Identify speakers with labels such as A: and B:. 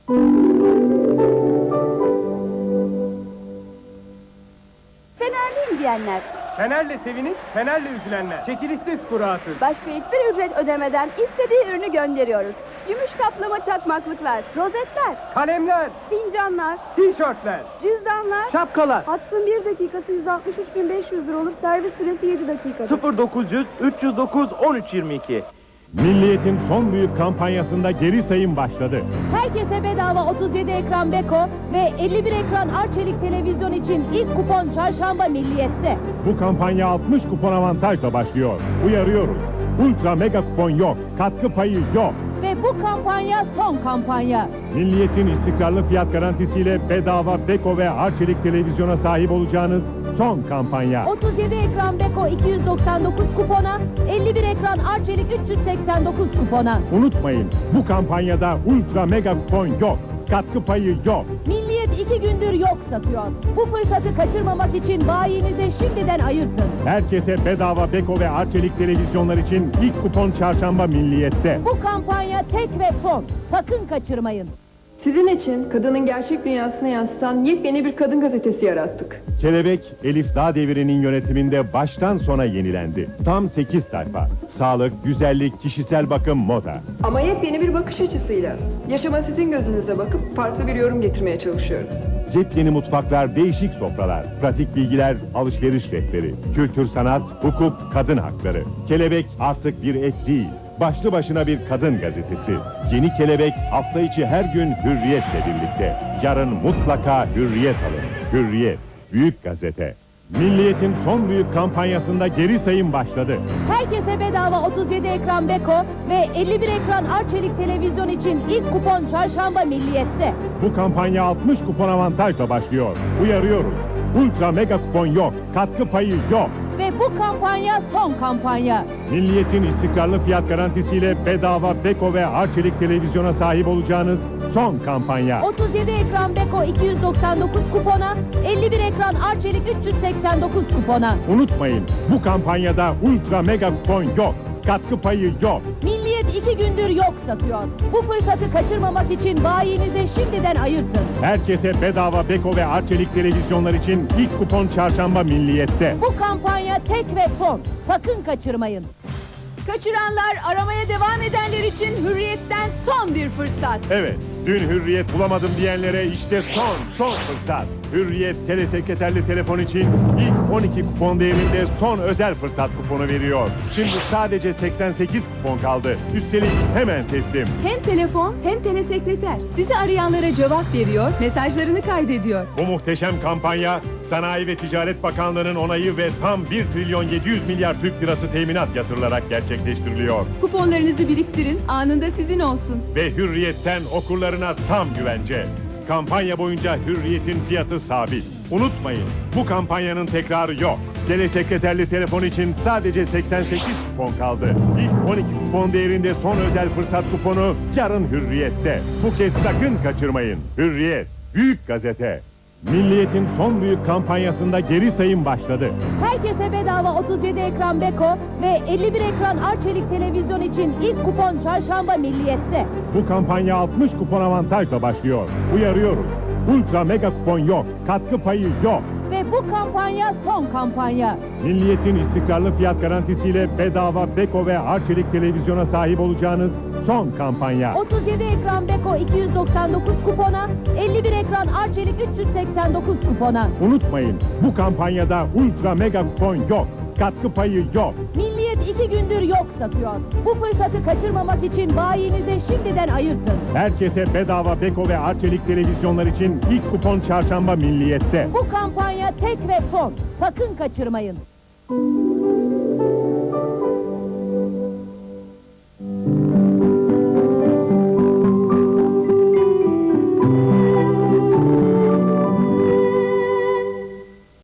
A: Fenerliyim diyenler,
B: Fenerle sevinip, Fenerle üzülenler. Çekilişsiz kurasız.
A: başka hiçbir ücret ödemeden istediği ürünü gönderiyoruz. Gümüş kaplama çakmaklıklar, rozetler,
B: Kalemler,
A: fincanlar,
B: tişörtler,
A: cüzdanlar.
B: şapkalar.
A: Hattın 1 dakikası 163.500 lira olur, servis süresi 7 dakikadır.
B: 0900 309 1322.
C: Milliyet'in son büyük kampanyasında geri sayım başladı.
D: Herkese bedava 37 ekran Beko ve 51 ekran Arçelik televizyon için ilk kupon çarşamba Milliyet'te.
C: Bu kampanya 60 kupon avantajla başlıyor. Uyarıyoruz. Ultra mega kupon yok. Katkı payı yok.
D: Ve bu kampanya son kampanya.
C: Milliyet'in istikrarlı fiyat garantisiyle bedava Beko ve Arçelik televizyona sahip olacağınız son kampanya.
D: 37 ekran Beko 299 kupona, 51 ekran Arçelik 389 kupona.
C: Unutmayın, bu kampanyada ultra mega kupon yok. Katkı payı yok.
D: Milliyet 2 gündür yok satıyor. Bu fırsatı kaçırmamak için bayinize şimdiden ayırtın.
C: Herkese bedava Beko ve Arçelik televizyonlar için ilk kupon çarşamba Milliyet'te.
D: Bu kampanya tek ve son. Sakın kaçırmayın.
E: Sizin için kadının gerçek dünyasını yansıtan yepyeni bir kadın gazetesi yarattık.
C: Kelebek, Elif Dağdevir'in yönetiminde baştan sona yenilendi. Tam 8 sayfa. Sağlık, güzellik, kişisel bakım, moda.
E: Ama yepyeni bir bakış açısıyla. Yaşama sizin gözünüze bakıp farklı bir yorum getirmeye çalışıyoruz.
C: Yepyeni mutfaklar, değişik sofralar, pratik bilgiler, alışveriş rehberi, kültür, sanat, hukuk, kadın hakları. Kelebek artık bir ek değil, başlı başına bir kadın gazetesi. Yeni Kelebek hafta içi her gün Hürriyet'le birlikte. Yarın mutlaka Hürriyet alın. Hürriyet, büyük gazete. Milliyet'in son büyük kampanyasında geri sayım başladı.
D: Herkese bedava 37 ekran Beko ve 51 ekran Arçelik televizyon için ilk kupon çarşamba Milliyet'te.
C: Bu kampanya 60 kupon avantajla başlıyor. Uyarıyoruz. Ultra mega kupon yok. Katkı payı yok.
D: Ve bu kampanya son kampanya.
C: Milliyet'in istikrarlı fiyat garantisiyle bedava Beko ve Arçelik televizyona sahip olacağınız son kampanya.
D: 37 ekran Beko 299 kupona, 51 ekran Arçelik 389 kupona.
C: Unutmayın, bu kampanyada ultra mega kupon yok. Katkı payı yok.
D: Milliyet 2 gündür yok satıyor. Bu fırsatı kaçırmamak için bayinize şimdiden ayırtın.
C: Herkese bedava Beko ve Arçelik televizyonlar için ilk kupon çarşamba Milliyet'te.
D: Bu kampanya tek ve son. Sakın kaçırmayın.
A: Kaçıranlar, aramaya devam edenler için Hürriyet'ten son bir fırsat.
C: Evet, dün Hürriyet bulamadım diyenlere işte son fırsat. Hürriyet telesekreterli telefon için ilk 12 kupon değerinde son özel fırsat kuponu veriyor. Şimdi sadece 88 kupon kaldı. Üstelik hemen teslim.
F: Hem telefon hem telesekreter. Sizi arayanlara cevap veriyor, mesajlarını kaydediyor.
C: Bu muhteşem kampanya Sanayi ve Ticaret Bakanlığı'nın onayı ve tam 1 trilyon 700 milyar Türk lirası teminat yatırılarak gerçekleştiriliyor.
F: Kuponlarınızı biriktirin, anında sizin olsun.
C: Ve Hürriyet'ten okurlarına tam güvence. Kampanya boyunca Hürriyet'in fiyatı sabit. Unutmayın, bu kampanyanın tekrarı yok. Telesekreterli telefon için sadece 88 kupon kaldı. İlk 12 kupon değerinde son özel fırsat kuponu yarın Hürriyet'te. Bu kez sakın kaçırmayın. Hürriyet, büyük gazete. Milliyet'in son büyük kampanyasında geri sayım başladı.
D: Herkese bedava 37 ekran Beko ve 51 ekran Arçelik televizyon için ilk kupon çarşamba Milliyet'te.
C: Bu kampanya 60 kupon avantajla başlıyor. Uyarıyoruz. Ultra mega kupon yok. Katkı payı yok.
D: Ve bu kampanya son kampanya.
C: Milliyet'in istikrarlı fiyat garantisiyle bedava Beko ve Arçelik televizyona sahip olacağınız son kampanya.
D: 37 ekran Beko 299 kupona, 51 ekran Arçelik 389 kupona.
C: Unutmayın, bu kampanyada ultra mega kupon yok. Katkı payı yok.
D: Milliyet 2 gündür yok satıyor. Bu fırsatı kaçırmamak için bayinize şimdiden ayırtın.
C: Herkese bedava Beko ve Arçelik televizyonlar için ilk kupon çarşamba Milliyet'te.
D: Bu kampanya tek ve son. Sakın kaçırmayın.